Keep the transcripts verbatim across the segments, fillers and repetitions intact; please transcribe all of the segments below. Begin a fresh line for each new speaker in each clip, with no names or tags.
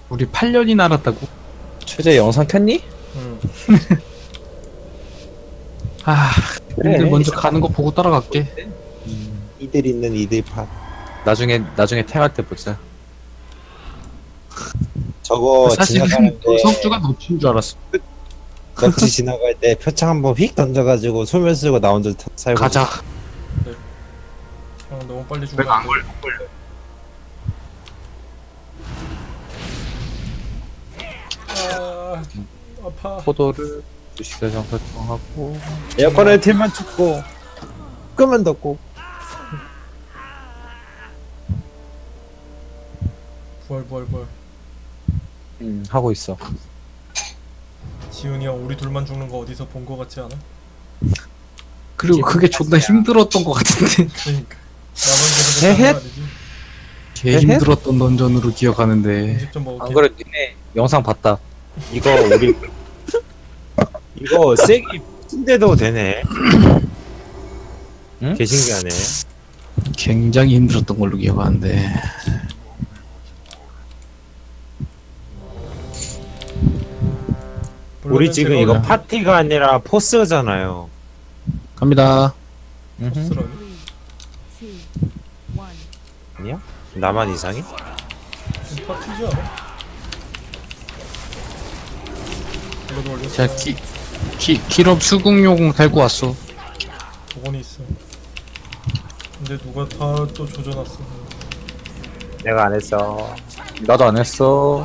우리 팔 년이나 알았다고?
최재 영상 켰니?
응.
아,
그래.
근데 먼저 가는 거 보고 따라갈게.
이들 있는 이들 팟.
나중에 나중에 탱할 때 보자.
저거
사실은
지나가는데
석주가 놓친 줄 알았어.
넙치 지나갈 때 표창 한번 휙 던져가지고 소멸 쓰고 나 혼자 타- 살고.
가자.
형 너무 빨리 죽으면
내가
안
안
돼.
걸려, 안 걸려.
아, 아파.
포도를 주식회장 설정하고
에어컨을 틀면 춥고 끄면 덥고.
부활 부활 부활.
음, 하고 있어.
지훈이 형 우리 둘만 죽는 거 어디서 본 거 같지 않아?
그리고 그게 존나 힘들었던 것 같은데.
그러니까. 나만 계속
헤헷.
거 아니지?
개
헤헷?
힘들었던 던전으로 기억하는데.
음식 좀 먹을게.
안 그래 니네 영상 봤다.
이거 우리 이거 세기 찐데도 되네.
응?
개 신기하네.
굉장히 힘들었던 걸로 기억하는데.
우리 지금
제가
이거 파티가 아니라 포스잖아요.
갑니다.
음흠.
포스라니?
아니야? 나만 이상해?
지금 파티지 않아? 이거도 올렸어.
자, 기, 기, 기럽 수국요공 달고 왔어.
도건이 있어. 근데 누가 다 또 조져놨어.
내가 안 했어.
나도 안 했어.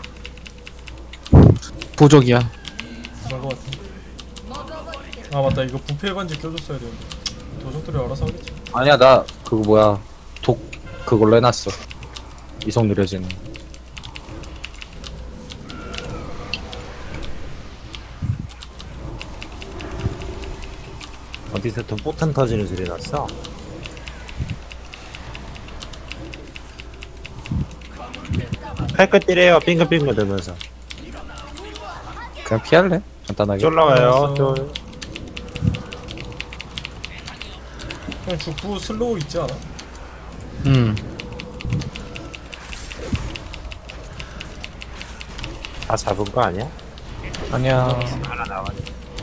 보적이야.
그런 거 같아. 아 맞다, 이거 부패 반지 껴줬어야 되는데. 도적들이 알아서 하겠지.
아니야 나 그거 뭐야 독 그걸로 해놨어. 이속 느려지는.
어디서 또 폭탄 터지는 소리 났어? 칼끝 때려요. 빙글빙글 들면서.
그냥 피할래? 간단하게.
쫄라와요.
알았어.
쫄.
형 죽부 슬로우 있지 않아?
음.
다 잡은 거 아니야?
아니야.
하나 나왔네.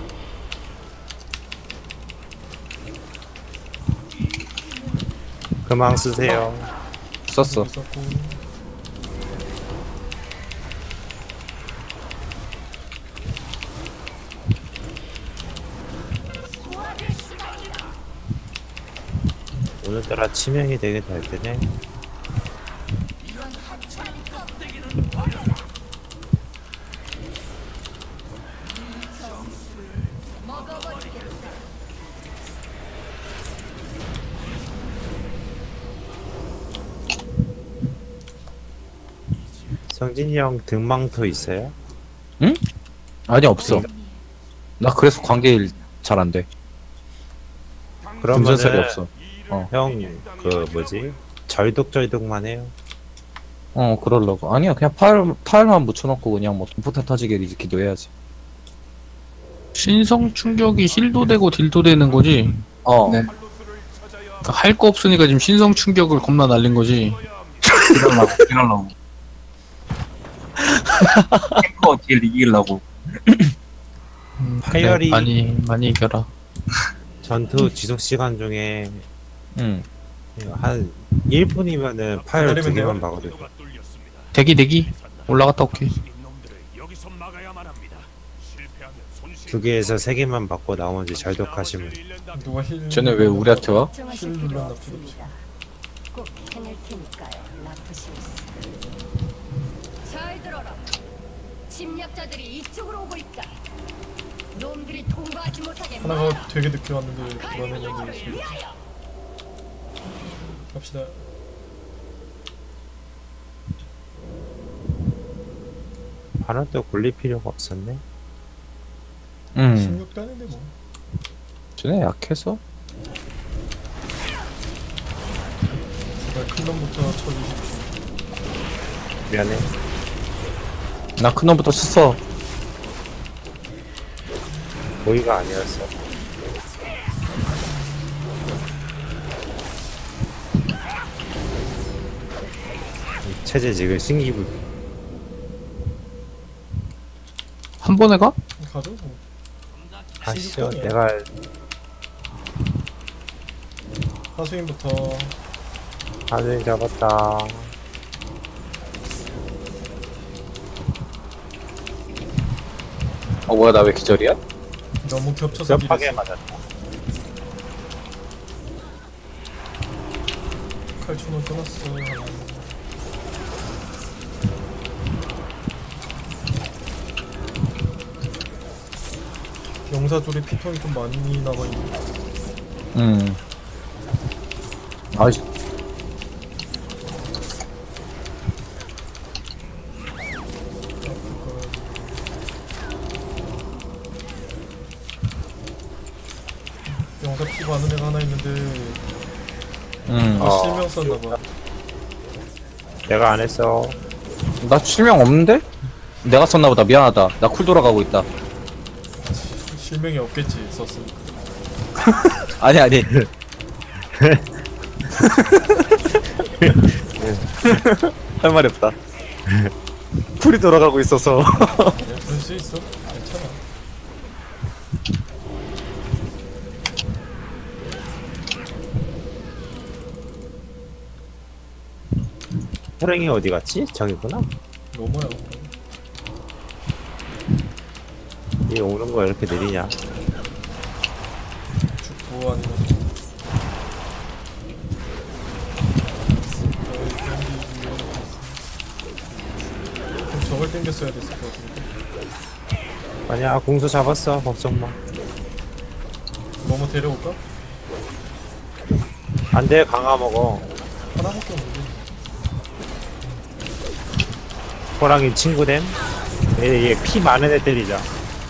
그만 쓰세요.
썼어.
있었고.
오늘따라 치명이 되게 잘 되네. 성진이 형 등망토 있어요?
아니 없어. 나 그래서 관계일 잘 안 돼. 금전살이
그러면은
없어.
형 그 뭐지? 절독절독만 해요.
어 그러려고. 아니야 그냥 파일 파일만 묻혀놓고 그냥 뭐 돈포탄 터지게 기도해야지.
신성 충격이 힐도 되고 딜도 되는 거지.
어.
네. 그러니까 할 거 없으니까 지금 신성 충격을 겁나 날린 거지.
이럴라고 이럴라고 탱커 딜 이기려고.
음, 그래,
파이어리-
많이 많이 이겨라.
전투 지속 시간 중에
응.
한 일 분이면은 파일 두
기다리면
개만
돼요?
박아도 돼.
대기 대기 올라갔다 올게.
두 개에서 세 개만 받고 나머지 절독하시면 돼.
누가 힐?
쟤네 왜 우리한테 와?
힐 눌렀나 필요 없지.
꼭 해낼 테니까요, 라프시우스.
잘 들어라. 침략자들이 이쪽으로 오고 있다. 놈들이 통과하지 못하게
하나가 되게 늦게 왔는데 불안했는데 지금. 갑시다.
바로 또 굴릴 필요가 없었네.
응.
십육 단인데 뭐.
쟤네 약해서?
제발 큰 놈부터 쳐주십시오.
미안해.
나 큰 놈부터 썼어.
모의가 아니었어. 체제 지금 신기부.
한 번에 가?
가죠 뭐.
아시죠?
십육 번이야.
내가
하수인부터
하늘 잡았다.
어 뭐야 나 왜 기절이야?
너무 겹쳐서
급하게
딜했어.
맞았다.
칼춤은 끊었어. 용사 둘이 피통이 좀 많이 남아있네.
음 아이씨
용사 피 많은 애가 하나 있는데
음나
아,
어.
실명 썼나봐.
내가 안 했어.
실명 없는데? 내가 썼나보다 미안하다 나 쿨 돌아가고 있다
실명이 없겠지 썼으니까.
아니 아니 할 말이 없다 쿨이 돌아가고 있어서
그냥 그럴 수 있어. 괜찮아.
호랭이 어디 갔지? 저기구나.
너무야.
얘 오는 거 이렇게 느리냐?
죽고 아니면 저희 땡기기 그럼 저걸 땡겼어야 됐을 것 같은데.
아니야, 공수 잡았어. 걱정 마.
뭐뭐 데려올까?
안 돼, 강화 먹어.
하나밖에 없는데.
호랑이 친구됨? 얘, 얘 피 많은 애 때리자.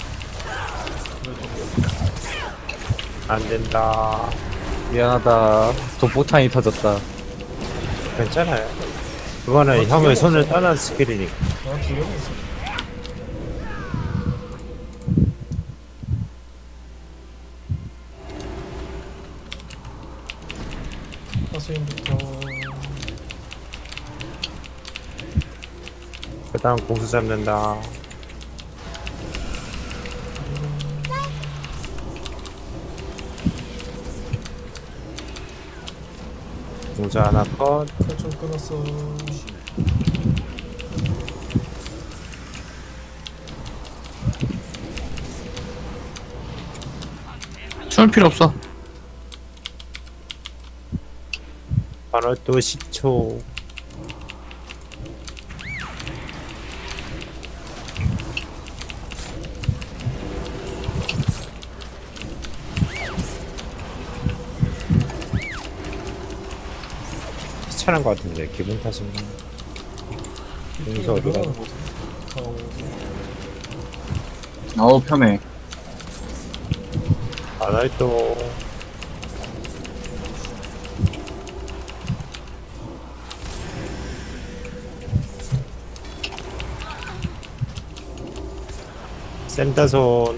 안 된다.
미안하다 도포탄이 터졌다
괜찮아요. 그거는 형의 손을 떠난 스킬이니까.
나두 개만 있어. 하수인부터
그 다음 공수 잡는다. 공수 하나 컷.
칼좀 끊었어.
숨을 필요 없어.
바로 또 십 초. 귀찮은 것 같은데 기분 탓인가? 공수 어디가?
늘어나는 거지. 어,
어우 편해.
안할 또. 센터손.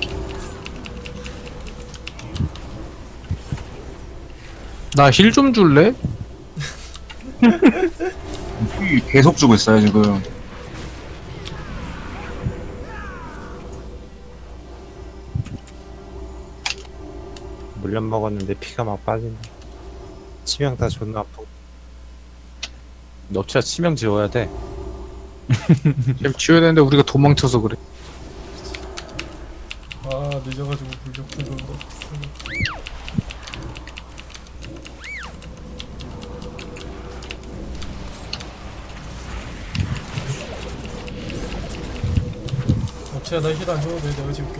나 힐 좀 줄래?
피 계속 주고 있어요 지금.
물엿 먹었는데 피가 막 빠진다. 치명 다 존나 아프고.
너 진짜 치명 지워야 돼
지금 지워야 되는데 우리가 도망쳐서 그래.
아 늦어가지고 불격 불격다. 업체야 나 힐 안 줘도 돼. 내가 지울게.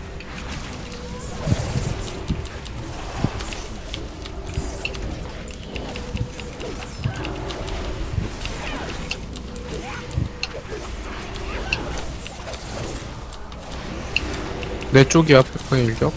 내 쪽이야, 페퍼의 일격.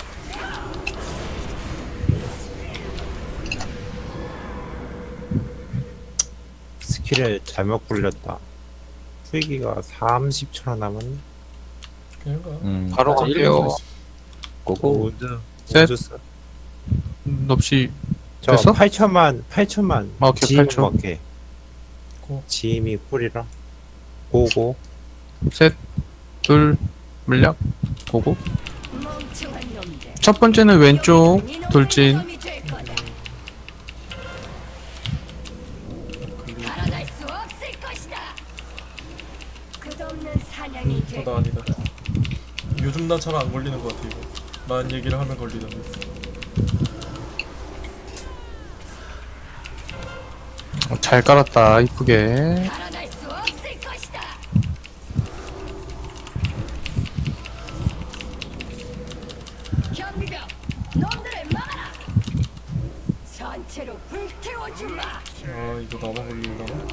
스킬을 잘못 굴렸다. 후기가 삼십 초나 남았네.
그냥 가.
음
바로
아직
갈게요.
일 분 있어. 고고
우드.
셋.
우드 써.
넙시
저
됐어?
팔천만 팔천만.
아, 오케이,
지임
팔천.
먹게.
고.
지임이 꿀이라. 고고.
셋, 둘, 물약 보고.
멍청한 놈들.
첫 번째는 왼쪽
이놈의
돌진.
몸이 될 거다. 살아날 수 없을 것이다. 끝없는 사냥이 될
어, 나 아니다. 요즘 나 잘 안 걸리는 것 같아 이거. 난 얘기를 하면 걸리던데.
어, 잘 깔았다 이쁘게.
살아날 수 없을 것이다. 경비병, 놈들을 막아라. 전체로 불태워주마.
아 이거 나만 걸리려나?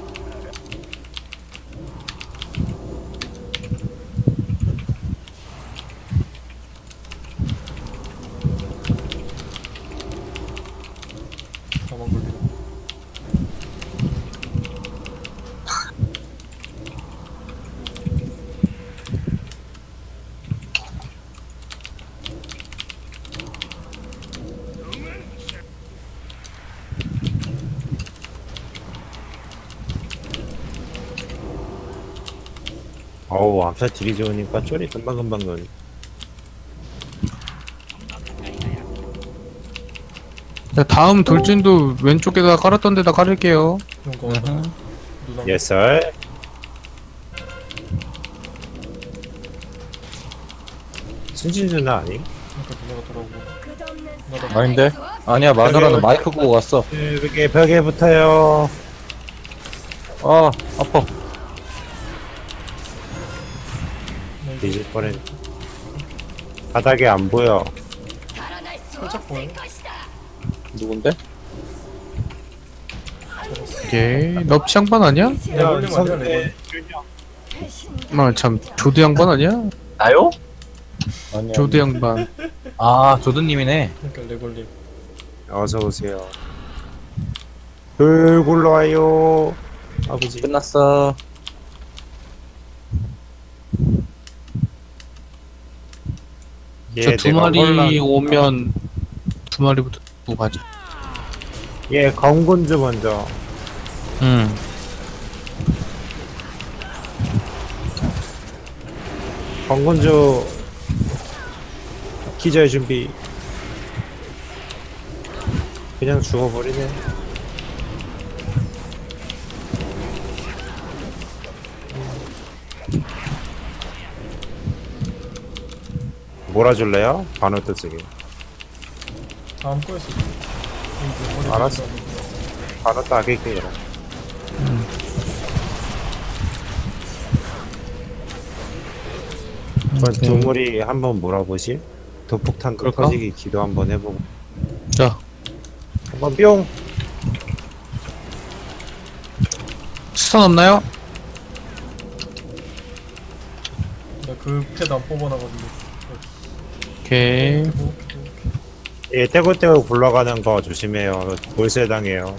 나만 걸리네.
어우 암살 딜이 좋으니까 쫄이 금방금방 넣니.
자, 다음 돌진도 왼쪽에다 깔았던 데다 깔을게요.
이런 거 같다. 누나.
예썰. 순진 누나 아니?
그러니까 누나가 돌아오고.
끝없는
나도
아닌데?
살아날 수 없을
아니야 마누라는 마이크 보고 갔어.
벽에 벽에 붙어요.
아 아파.
뒤질 뻔했. 바닥에 안 보여.
살아날 수
살짝 보여.
없을 것이다.
누군데?
오케이. 넙치 양반 아니야?
내가 걸리면 안 돼, 레골.
아, 참 조드 양반 아니야?
나요? 아니야.
조드 양반.
아 조드님이네.
그러니까 레골님.
어서 오세요. 불 굴러와요. 아버지.
끝났어.
예,
저 두
내가
마리
혼란-
오면 두 마리부터 두고 가자.
예, 검군주 먼저.
응.
검군주 기절 준비. 그냥 죽어버리네. 몰아줄래요? 반어 뜨쓰기.
다음 거였어.
알았어. 반어 따게게요. 그럼 두물이 한번 몰아보실? 도폭탄
그럴까?
터지기 기도 한번 해보고.
자,
한번 뿅!
스턴 없나요?
나그 패드 안 뽑아놔가지고.
오케이.
오케이, 오케이.
예, 떼굴떼굴 굴러가는 거 조심해요. 돌쇠 당해요.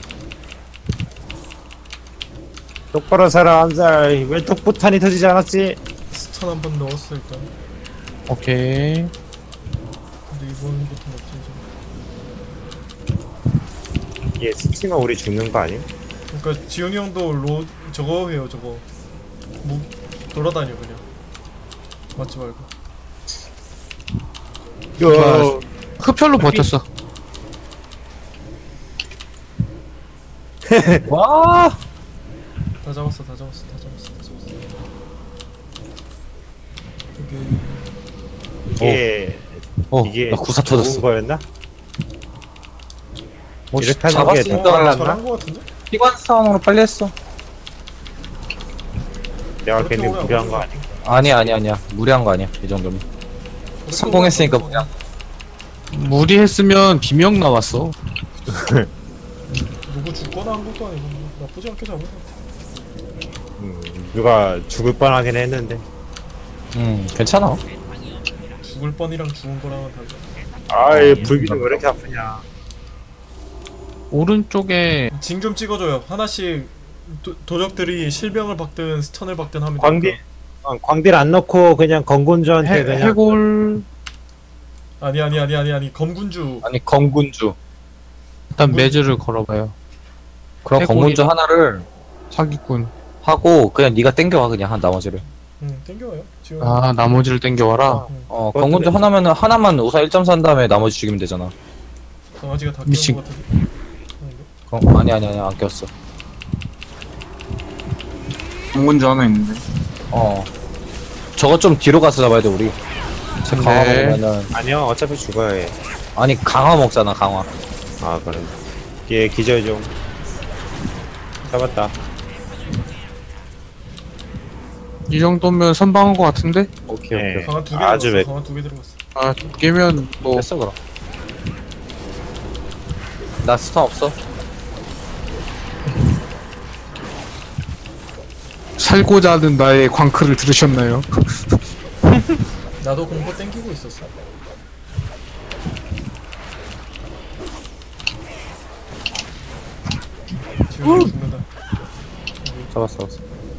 똑바로 살아, 암살. 왜 톡포탄이 터지지 않았지?
스턴 한 번 넣었어 일단.
오케이.
근데 이번부터는 없어져.
예, 스치면 우리 죽는 거 아니야?
그러니까 지훈이 형도 로 저거 해요 저거. 뭐 돌아다녀 그냥. 맞지 말고.
좋아. 흡혈로 버텼어.
와.
다 잡았어, 다 잡았어, 다 잡았어, 다 잡았어. 이게
이게
어,
이게
나 구사
좋은
터졌어.
거였나?
뭐
이렇게 하는 게
잡았으니까
더 빨랐나?
잘한 거 같은데?
피관 싸움으로 빨리 했어.
내가
그렇게
괜히
오래 안
무리한 거
걸려.
아니야?
아니야 아니야 아니야. 무리한 거 아니야. 이 정도면.
그렇게
성공했으니까
오래 안
그냥.
무리했으면 비명 나왔어.
걸려. 누구 죽거나 한 것도 아니고 뭐 나쁘지 않게 잡은 거 같아.
음, 누가 죽을 뻔하긴 했는데.
음 괜찮아.
죽을 뻔이랑 죽은 거랑은 달라.
아이, 불기둥 왜 이렇게 아프냐?
오른쪽에
징 좀 찍어줘요. 하나씩 도, 도적들이 실병을 박든 스턴을 박든 하면
광딜,
되니까.
어, 광딜 안 넣고 그냥 건군주한테
해,
그냥.
해골
아니 아니 아니 아니 아니 검군주.
아니 건군주.
일단 매즈를 걸어봐요.
그럼
해골이-
건군주 하나를
사기꾼.
하고 그냥 네가 땡겨와 그냥 한 나머지를.
응 땡겨와요 지금.
아 나머지를 땡겨와라.
응.
어 건군주 하나면은 하나만 우사 일 점 사 한 다음에 나머지 죽이면 되잖아.
강아지가 다
미친.
끼운 것 같은데. 아닌가?
건, 아니 아니 아니 안 꼈어.
공군주 하나 있는데.
어 저거 좀 뒤로 가서 잡아야 돼 우리. 쟤 강화
네.
먹으면은
아니요 어차피 죽어야 해.
아니 강화 먹잖아 강화.
아 그래. 얘 기절 좀. 잡았다.
이 정도면 선방한 것 같은데?
오케이
네.
오케이.
강아 두개
아주
들어갔어.
매-
강아 두 개 들어갔어.
아 깨면 뭐
됐어 그럼. 나 스턴 없어.
살고자 하는 나의 광크를 들으셨나요?
나도 공포 땡기고 있었어. 지금 죽는다.
잡았어 잡았어.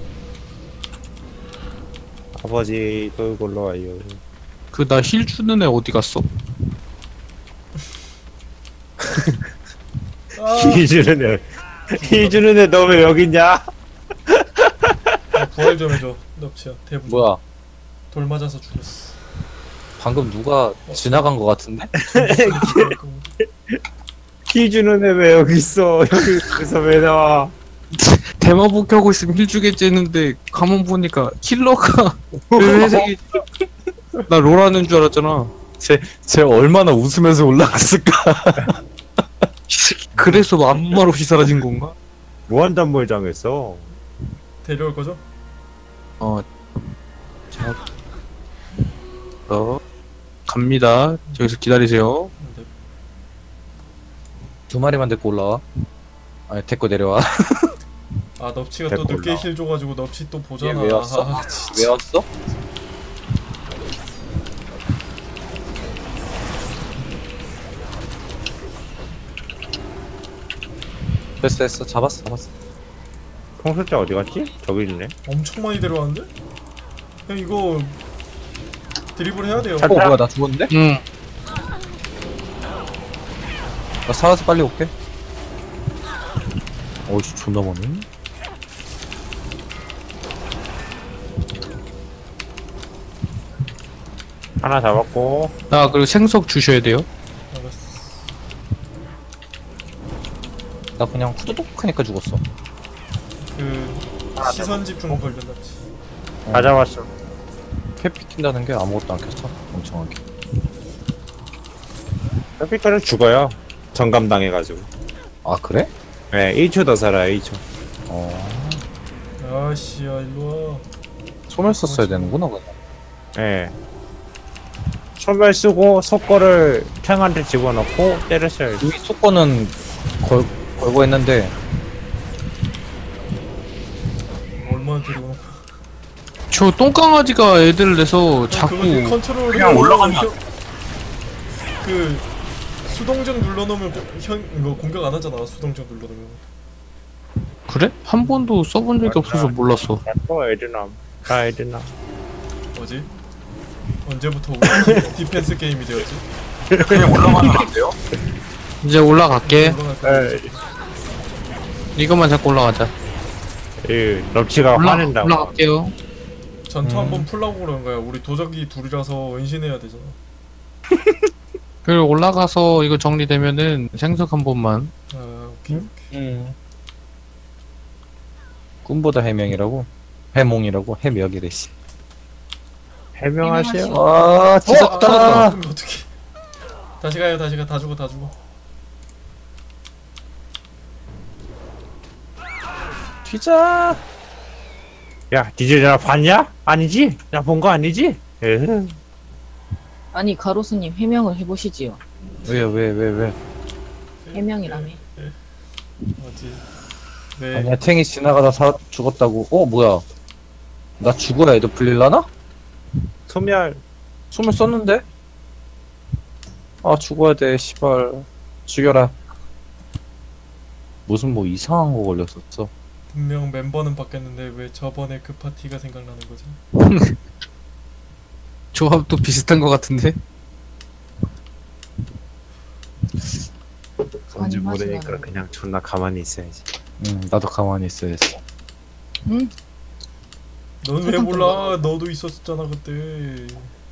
아버지 돌고 올라와요.
그 나 힐 주는 애 어디 갔어?
아,
힐 주는 애. 힐 주는 애 너 왜 여기 있냐?
부활 좀 해줘. 넙치야. 대부.
뭐야
돌 맞아서 죽었어.
방금 누가 지나간 거 같은데?
힐 주는 애 왜 여기 있어? 여기서 왜 나와?
대마복 하고 있으면 힐 주겠지 했는데 가만 보니까 킬러가 왜 회색이 나 롤하는 줄 알았잖아.
쟤 얼마나 웃으면서 올라갔을까?
이 새끼 그래서 아무 말 없이 사라진 건가?
무한단몰 당했어.
데려올 거죠?
어, 자, 어, 갑니다. 여기서 기다리세요.
네.
두 마리만 데리고 올라와. 아니 데리고 내려와.
아 넙치가 또
데리고
늦게
올라와.
힐 줘가지고 넙치 또 보잖아.
얘왜 왔어?
아, 진짜.
왜 왔어? 됐어 됐어 잡았어 잡았어.
통솔자 어디 갔지? 저기 있네.
엄청 많이 데려왔는데? 형 이거 드리블 해야 돼요.
어 뭐야 나 죽었는데?
응.
나 살아서 빨리 올게. 어이씨 존나 많네.
하나 잡았고.
나 그리고 생석 주셔야 돼요.
알았어.
나 그냥 후두둑 하니까 죽었어.
그 시선 집중 걸렸나 보지.
다 잡았어.
캐피 튄다는 게 아무것도 안 켰어. 멍청하게.
뼈피터는 죽어요. 정감 당해가지고.
아 그래?
네, 일 초 더 살아요. 일 초.
어
아씨야 일로 와.
손을 썼어야 되는구나 그냥.
네. 소멸 쓰고 속거를 탱한테 집어넣고 때렸어요.
이미 속거는 걸, 걸고 했는데
얼마나 데려오는 거야.
저 똥강아지가 애들을 내서 자꾸
그거 컨트롤
그냥 올라가면 안
그 수동적 눌러놓으면 고- 현 이거 공격 안 하잖아. 수동적 눌러놓으면.
그래? 한 번도 써본 적이 없어서 몰랐어.
또 에드남. 다 에드남.
뭐지? 언제부터 우리 디- 디펜스 게임이 되었지?
그냥 올라가면 안 돼요?
이제 올라갈게.
올라갈 거야.
에,
이것만 잡고 올라가자.
이 럽치가
올라
화낸다고.
올라갈게요.
전투
음.
한번 풀라고 그러는 거야. 우리 도적이 둘이라서 은신해야 되잖아.
그리고 올라가서 이거 정리되면은 생석 한 번만.
아 오케이.
음. 음. 꿈보다 해명이라고? 해몽이라고? 해명이래 씨.
해명하세요.
아 진짜
어?
떨어졌다.
아, 그럼 어떡해. 다시 가요. 다시 가. 다 죽어. 다 죽어.
튀자.
야, 니들 나 봤냐? 아니지? 나 본 거 아니지? 에휴.
아니 가로수님 해명을 해보시지요.
왜요 왜 왜 왜?
해명이라며.
뭐지? 네.
아니야 탱이 지나가다 사, 죽었다고. 어 뭐야? 나 죽어야 애들 불릴라나?
소멸.
숨을 썼는데? 아 죽어야 돼 시발. 죽여라. 무슨 뭐 이상한 거 걸렸었어.
분명 멤버는 바뀌었는데 왜 저번에 그 파티가 생각나는 거지?
조합도 비슷한 것 같은데.
뭔지
아니, 맛이
모르니까
나네.
그냥 존나 가만히 있어야지.
응 나도 가만히 있어야지.
응?
넌 왜 몰라? 너도 있었잖아 그때.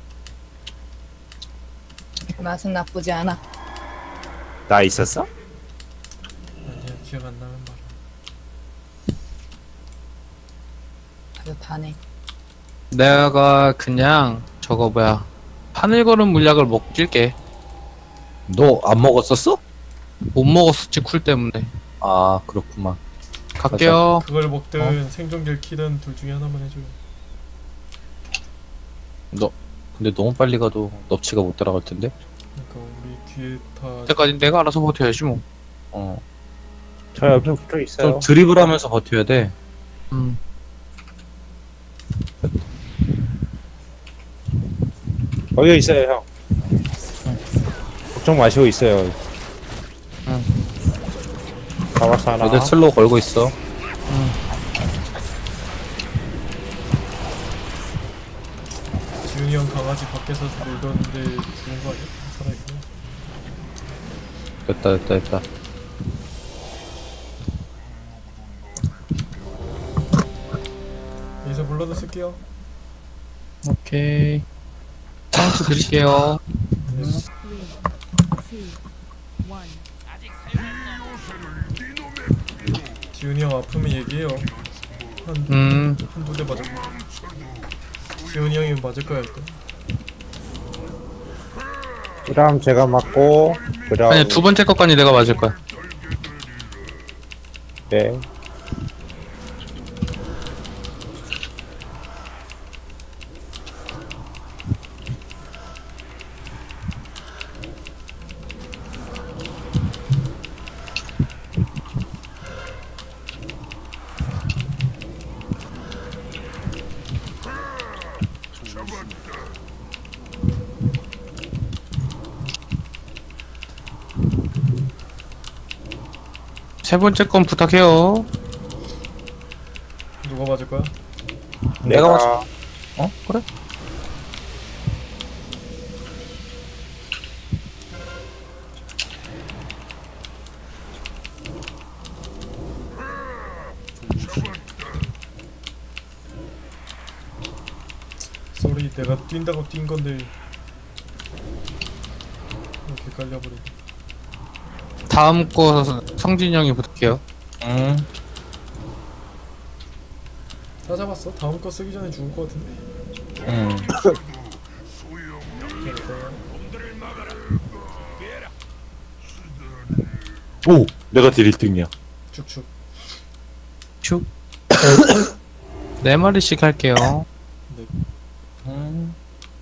맛은 나쁘지 않아.
나 있었어?
아니야 기억 안 나면 말아.
아주 다네.
내가 그냥 저거 뭐야 하늘걸음 물약을 먹길게.
너 안 먹었었어?
못 먹었었지 쿨 때문에.
아 그렇구만.
갈게요.
그걸 먹든 생존기를 키든 둘 중에 하나만 해줘요.
너 근데 너무 빨리 가도 넙치가 못 따라갈 텐데.
그러니까 우리 뒤에 다
그때까지 내가 알아서 버텨야지 뭐.
어.
저 옆에 붙어 있어요.
좀 드리블하면서 버텨야 돼.
음.
거기 있어요 형. 걱정 마시고 있어요.
응.
잡았어 하나.
애들 슬로우 걸고 있어.
지훈이 형 강아지 밖에서 놀던데 죽은 거 아니야? 살아있구나.
됐다 됐다 됐다.
여기서 불러도 쓸게요.
오케이. 카운트 드릴게요.
지훈이 형 아프면 얘기해요. 한,
음.
한두 대 맞을 거야. 지훈이 형이 맞을 거야 일단.
그다음 제가 맞고 그다음
아니야 두 번째 것까지 내가 맞을 거야.
네.
세 번째 건 부탁해요.
누가 맞을 거야?
내가 맞. 어 그래?
쏘리 내가 뛴다고 뛴 건데 이렇게 깔려버리네.
다음 거 성진이 형이 부탁해요.
응.
다 잡았어? 다음 거 쓰기 전에 죽을 것 같은데.
응. 오 내가 딜 일 등이야.
쭉쭉.
축. 네 마리씩 할게요.
음.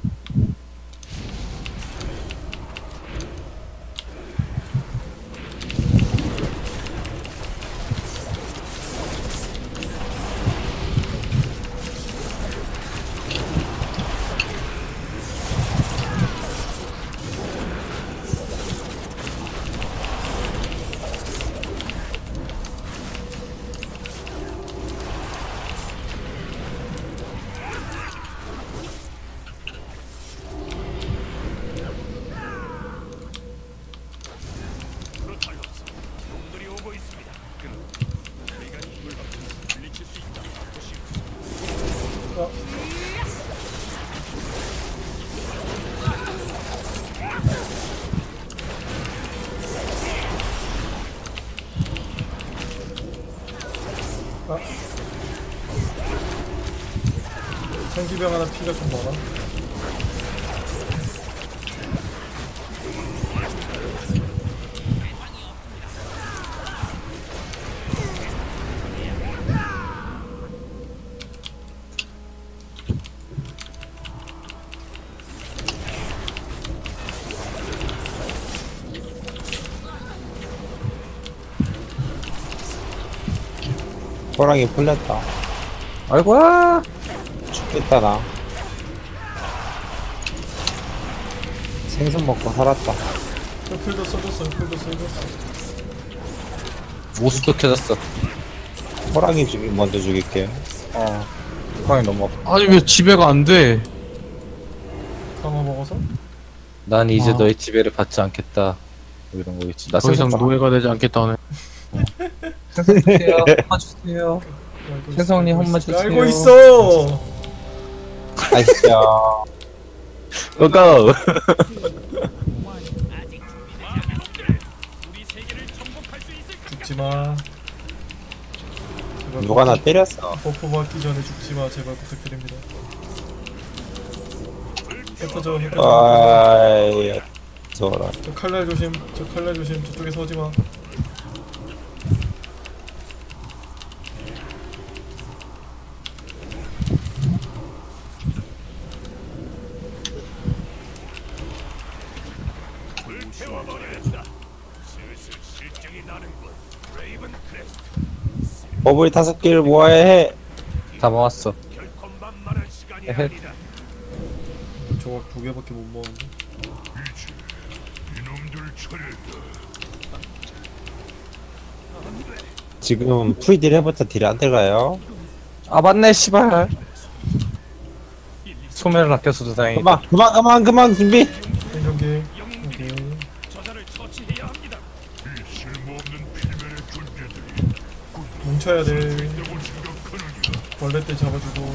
생기병 하나 피가 좀 많아.
호랑이 풀렸다.
아이고야.
죽겠다 나. 생선 먹고 살았다.
풀도 써줬어. 풀도 써줬어.
모습도 켜졌어.
호랑이 죽이 먼저 죽일게.
어. 호랑이 너무 아파.
아니 왜 지배가 안 돼?
강화 먹어서?
난 이제
아.
너의 지배를 받지 않겠다. 뭐 이런 거겠지. 나
더 이상
생선
노예가 되지 않겠다네.
주세요. 주세요.
알고 있어,
혜성님
알고
한 번
있어.
주세요.
알고 있어.
아시죠?
고고!
죽지 마. 제발
누가 나 때렸어.
버프 받기 전에 죽지 마. 제발 부탁드립니다. 흩어져, 흩어져.
아이, 저라.
저 칼날 조심. 저 칼날 조심. 저쪽에서 오지 마.
버블 다섯 개를 모아야 해.
다 모았어. 에헤.
저거 두 개밖에 못 먹었는데.
지금 프리딜 해봤자 딜이 안 들어가요.
아 맞네 씨발. 소멸을 아껴서도 다행이다.
그만, 그만, 그만, 그만, 준비.
생존기. 오케이. 뭉쳐야 돼. 벌레 때 잡아주고.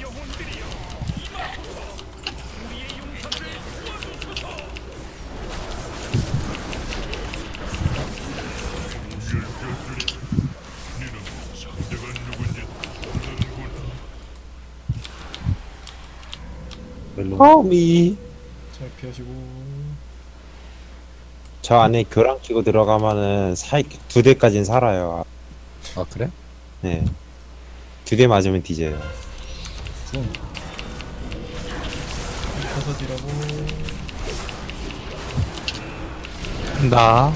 허미.
잘 피하시고.
저 안에 교랑 끼고 들어가면은 사이 두 대까지는 살아요.
아 그래?
네. 두 대 맞으면 뒤져요.
가서 뒤라고.
나.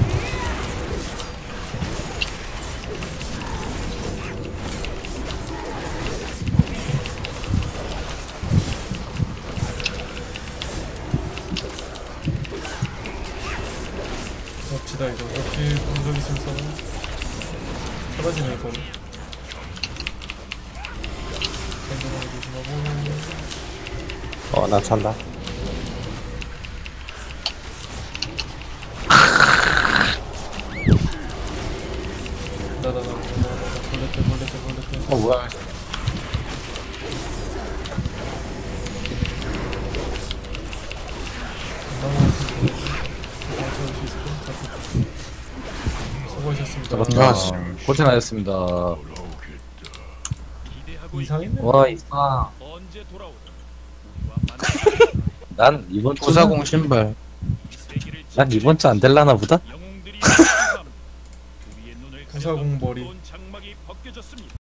봅시다 이거. 역시 공격 있으면 써. 사라지네 이거. 안전하게 조심하고.
어, 나 찬다.
나나나 나나나 벌레 때 벌레 때 벌레 때.
어 뭐야?
수고하셨습니다.
아, 씨. 고생하셨습니다.
이상했네.
와 이상. 난 이번 주
구사공 신발.
난 이번 주 안 될라나 보다.
구사공 머리.